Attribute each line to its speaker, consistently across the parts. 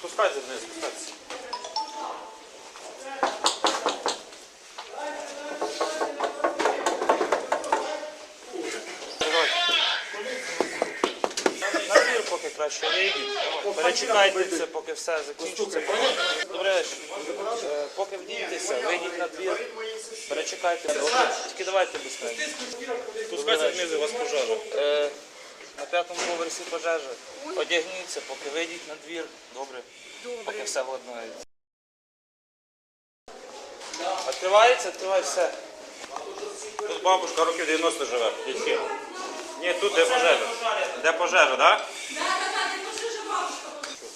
Speaker 1: Спускайся вниз, спускайся. На двір поки краще вийдіть. Перечекайте це, поки все закінчиться. Добре, поки вдійтеся, вийдіть на двір. Перечекайте. Тільки давайте безпечно. Спускайся вниз, у вас пожежа. На 5-му поверсі пожежа. Одягніться, поки вийдіть на двір. Добре. Поки все владнається. Відкривається, відкривай все. Тут бабушка років 90 живе. Ні, тут де пожежа. Де пожежа, так? Так, де пожежа бабушка.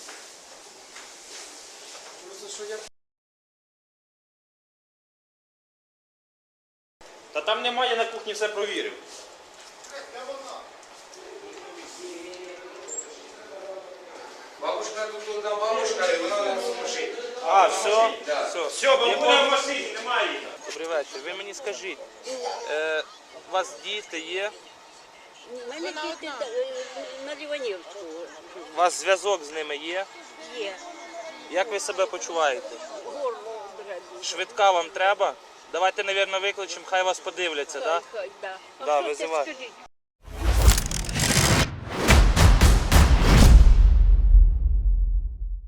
Speaker 1: Та там немає, на кухні все провірив.
Speaker 2: Бабушка тут одна бабушка, і вона не служить.
Speaker 1: А, все?
Speaker 2: Да.
Speaker 1: Все, бабуля в машині, немає її. Добрий вечір. Ви мені скажіть, у вас діти є?
Speaker 3: У мене діти на Ліванівську
Speaker 1: У вас зв'язок з ними є?
Speaker 3: є.
Speaker 1: Як ви себе почуваєте?
Speaker 3: Горло дребі.
Speaker 1: Швидка вам треба? Давайте, мабуть, викличемо, хай вас подивляться, так?
Speaker 3: Да.
Speaker 1: Да,
Speaker 3: А що це,
Speaker 1: визивай.
Speaker 3: скажіть?